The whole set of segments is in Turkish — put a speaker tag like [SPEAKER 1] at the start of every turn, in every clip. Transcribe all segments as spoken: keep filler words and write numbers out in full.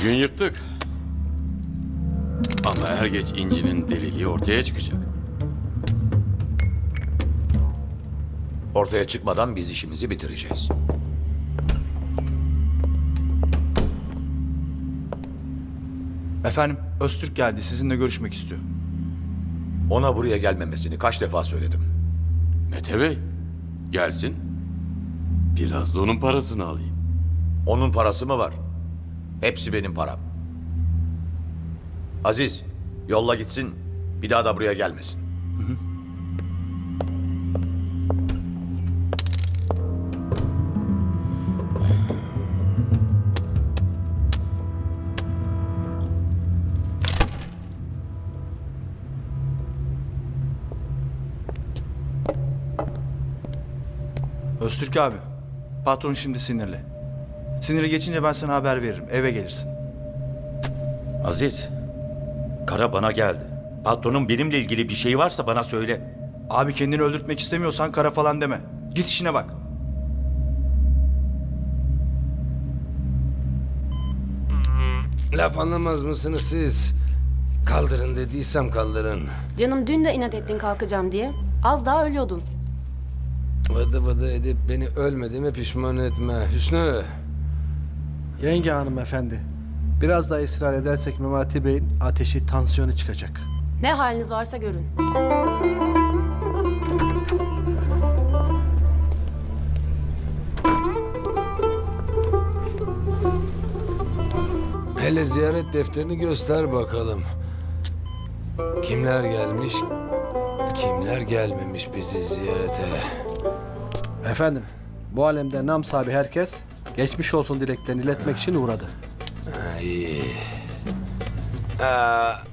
[SPEAKER 1] Bugün yırttık. Ama er geç İnci'nin deliliği ortaya çıkacak.
[SPEAKER 2] Ortaya çıkmadan biz işimizi bitireceğiz.
[SPEAKER 3] Efendim, Öztürk geldi. Sizinle görüşmek istiyor.
[SPEAKER 2] Ona buraya gelmemesini kaç defa söyledim.
[SPEAKER 1] Mete Bey, gelsin. Biraz da onun parasını alayım.
[SPEAKER 2] Onun parası mı var? Hepsi benim param. Aziz, yolla gitsin. Bir daha da buraya gelmesin.
[SPEAKER 3] Öztürk abi, patron şimdi sinirli. Siniri geçince ben sana haber veririm. Eve gelirsin.
[SPEAKER 4] Aziz, Kara bana geldi. Patronun benimle ilgili bir şey varsa bana söyle.
[SPEAKER 3] Abi kendini öldürtmek istemiyorsan kara falan deme. Git işine bak.
[SPEAKER 5] Laf anlamaz mısınız siz? Kaldırın dediysem kaldırın.
[SPEAKER 6] Canım dün de inat ettin kalkacağım diye. Az daha ölüyordun.
[SPEAKER 5] Vıdı vıdı edip beni ölmediğime pişman etme. Hüsnü.
[SPEAKER 7] Yenge hanımefendi, biraz daha ısrar edersek Memati Bey'in ateşi, tansiyonu çıkacak.
[SPEAKER 6] Ne haliniz varsa görün.
[SPEAKER 5] Hele ziyaret defterini göster bakalım. Kimler gelmiş, kimler gelmemiş bizi ziyarete.
[SPEAKER 7] Efendim, bu alemde nam sahibi herkes geçmiş olsun dileklerini iletmek için uğradı.
[SPEAKER 5] Ha, iyi. Aa,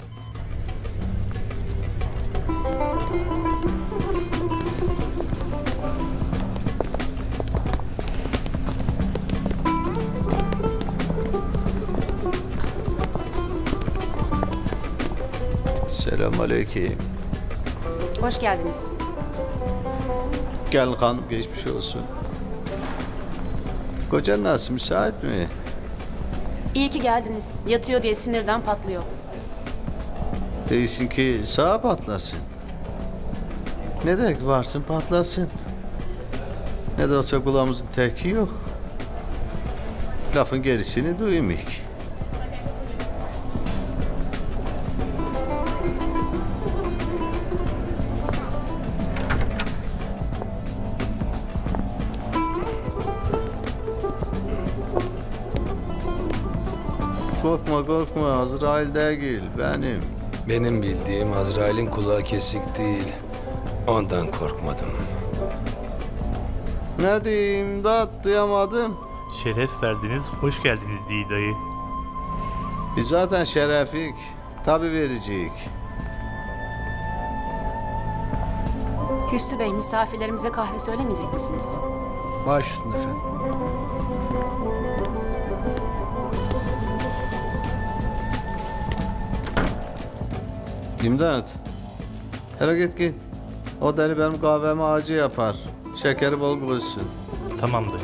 [SPEAKER 8] Selamünaleyküm.
[SPEAKER 6] Hoş geldiniz.
[SPEAKER 8] Gel hanım, geçmiş olsun. Kocan nasıl, müsait mi?
[SPEAKER 6] İyi ki geldiniz. Yatıyor diye sinirden patlıyor.
[SPEAKER 8] Değilsin ki sağa patlasın. Ne demek varsın patlasın. Ne de olsa kulağımızın teki yok. Lafın gerisini duymayık. Korkma korkma, Azrail değil benim.
[SPEAKER 5] benim bildiğim Azrail'in kulağı kesik değil. Ondan korkmadım.
[SPEAKER 8] Ne diyeyim, da duyamadım.
[SPEAKER 9] Şeref verdiniz, hoş geldiniz diye dayı.
[SPEAKER 8] Biz zaten şerefik, tabi vericiyik.
[SPEAKER 6] Hüsnü Bey, misafirlerimize kahve söylemeyecek misiniz?
[SPEAKER 7] Baş üstüne efendim.
[SPEAKER 8] İmdat. Hele git git. O deli benim kahvemi acı yapar. Şekeri bol koysun.
[SPEAKER 9] Tamam dayı.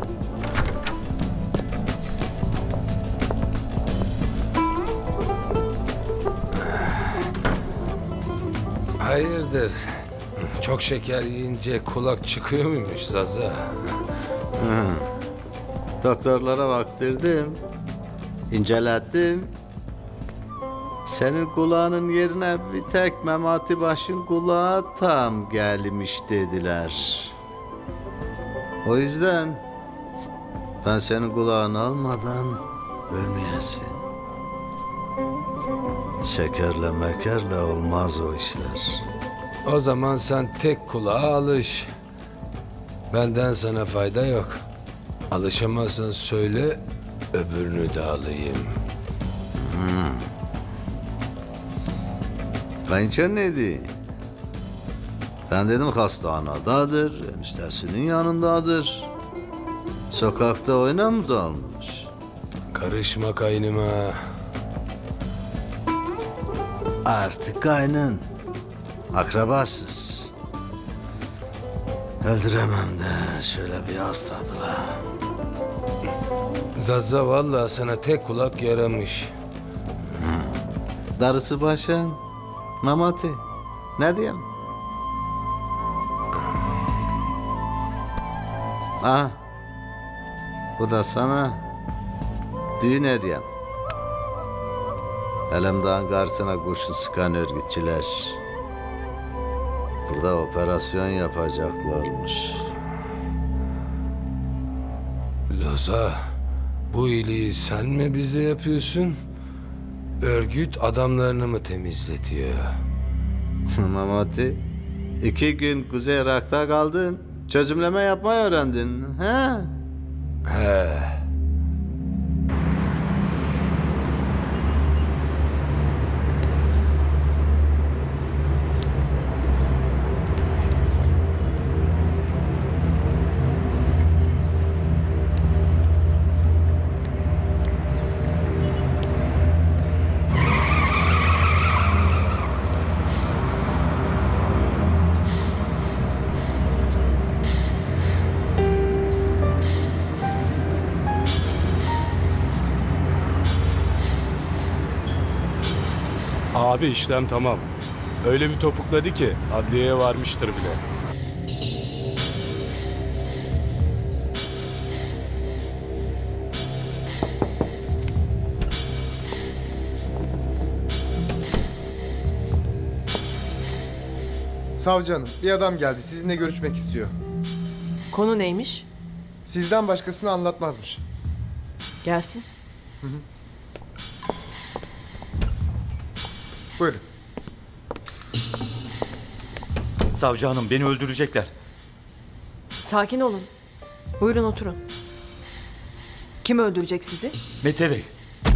[SPEAKER 5] Hayırdır? Çok şeker yiyince kulak çıkıyor muymuş Zaza?
[SPEAKER 8] Doktorlara baktırdım. İncelettim. Senin kulağının yerine bir tek Memati Baş'ın kulağı tam gelmiş dediler. O yüzden ben senin kulağını almadan ölmeyesin. Şekerle mekerle olmaz o işler.
[SPEAKER 5] O zaman sen tek kulağa alış. Benden sana fayda yok. Alışamazsan söyle, öbürünü de alayım.
[SPEAKER 8] Kayınço ne dedi? Ben dedim hastanadadır, eniştesinin yanındadır. Sokakta oyna mı dalmış?
[SPEAKER 5] Karışma kaynıma.
[SPEAKER 8] Artık kaynın. Akrabasız. Öldüremem de şöyle bir hastadır ha.
[SPEAKER 5] Zaza vallahi sana tek kulak yaramış.
[SPEAKER 8] Darısı başın. Memati. Ne diyeyim? Ah. Bu da sana düğün hediyem. Elemdağ'ın karşısına kurşun sıkan örgütçüler burada operasyon yapacaklarmış.
[SPEAKER 5] Zaza, bu iyiliği sen mi bize yapıyorsun? Örgüt adamlarını mı temizletiyor?
[SPEAKER 8] Memati, iki gün Kuzey Irak'ta kaldın. Çözümleme yapmayı öğrendin. He?
[SPEAKER 5] He.
[SPEAKER 10] Abi işlem tamam. Öyle bir topukladı ki adliyeye varmıştır bile.
[SPEAKER 11] Savcı hanım, bir adam geldi. Sizinle görüşmek istiyor.
[SPEAKER 12] Konu neymiş?
[SPEAKER 11] Sizden başkasını anlatmazmış.
[SPEAKER 12] Gelsin.
[SPEAKER 11] Buyurun.
[SPEAKER 4] Savcı hanım beni öldürecekler.
[SPEAKER 12] Sakin olun. Buyurun oturun. Kim öldürecek sizi?
[SPEAKER 4] Mete Bey.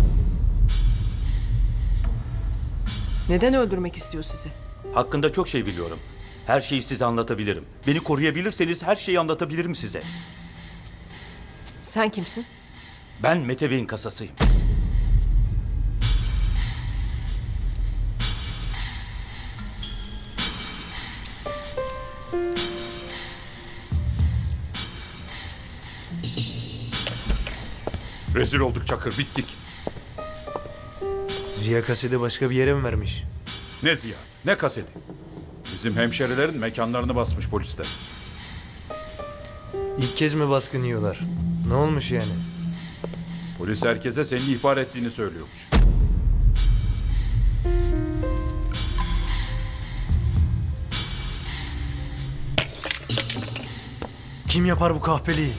[SPEAKER 12] Neden öldürmek istiyor sizi?
[SPEAKER 4] Hakkında çok şey biliyorum. Her şeyi size anlatabilirim. Beni koruyabilirseniz her şeyi anlatabilirim size.
[SPEAKER 12] Sen kimsin?
[SPEAKER 4] Ben Mete Bey'in kasasıyım.
[SPEAKER 2] Rezil olduk Çakır, bittik.
[SPEAKER 3] Ziya kaseti başka bir yere mi vermiş?
[SPEAKER 10] Ne ziyaz, ne kaseti. Bizim hemşerilerin mekanlarını basmış polisler.
[SPEAKER 3] İlk kez mi baskın yiyorlar? Ne olmuş yani?
[SPEAKER 10] Polis herkese seni ihbar ettiğini söylüyormuş.
[SPEAKER 3] Kim yapar bu kahpeliği?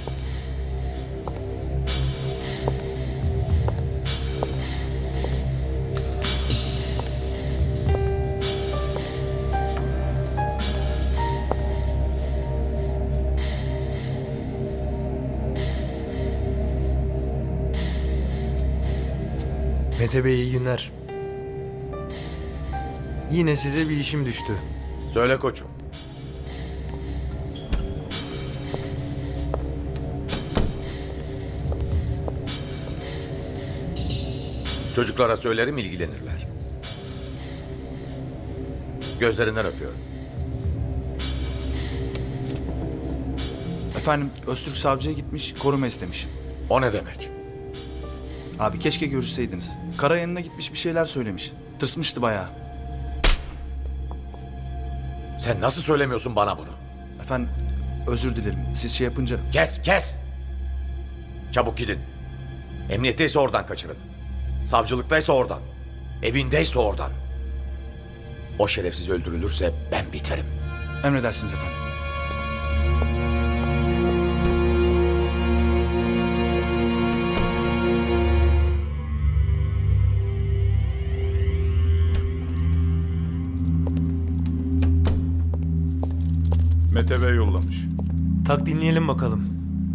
[SPEAKER 3] Mete Bey iyi günler. Yine size bir işim düştü.
[SPEAKER 2] Söyle koçum. Çocuklara söylerim, ilgilenirler. Gözlerinden öpüyorum.
[SPEAKER 3] Efendim Öztürk savcıya gitmiş, koruma istemiş.
[SPEAKER 2] O ne demek?
[SPEAKER 3] Abi keşke görüşseydiniz. Kara yanına gitmiş bir şeyler söylemiş. Tırsmıştı bayağı.
[SPEAKER 2] Sen nasıl söylemiyorsun bana bunu?
[SPEAKER 3] Efendim özür dilerim. Siz şey yapınca...
[SPEAKER 2] Kes, kes! Çabuk gidin. Emniyetteyse oradan kaçırın. Savcılıktaysa oradan. Evindeyse oradan. O şerefsiz öldürülürse ben biterim.
[SPEAKER 3] Emredersiniz efendim.
[SPEAKER 10] Mete Bey yollamış.
[SPEAKER 3] Tak dinleyelim bakalım.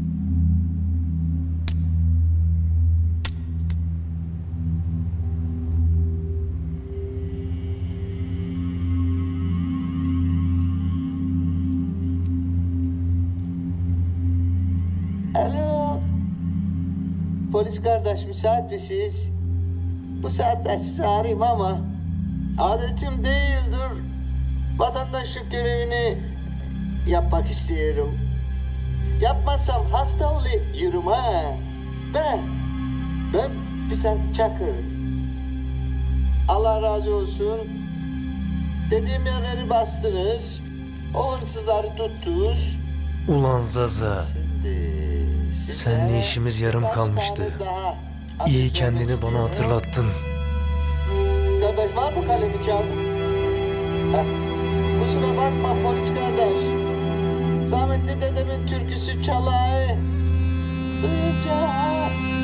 [SPEAKER 13] Alo. Polis kardeş müsait misiniz? Bu saatte sizi arayayım ama adetim değildir. Vatandaşlık görevini yapmak istiyorum. Yapmazsam hasta oluyorum ha. De ben Pisat Çakır. Allah razı olsun. Dediğim yerleri bastınız. O hırsızları tuttunuz.
[SPEAKER 7] Ulan Zaza.
[SPEAKER 13] Şimdi size
[SPEAKER 7] Seninle işimiz yarım
[SPEAKER 13] birkaç
[SPEAKER 7] kalmıştı.
[SPEAKER 13] tane daha
[SPEAKER 7] İyi
[SPEAKER 13] adet
[SPEAKER 7] kendini
[SPEAKER 13] vermek
[SPEAKER 7] bana
[SPEAKER 13] istiyorum.
[SPEAKER 7] hatırlattın.
[SPEAKER 13] Kardeş var mı kalemi kağıdın? Heh. Kusura bakma polis kardeş. Rahmetli dedemin türküsü çalay. Duyunca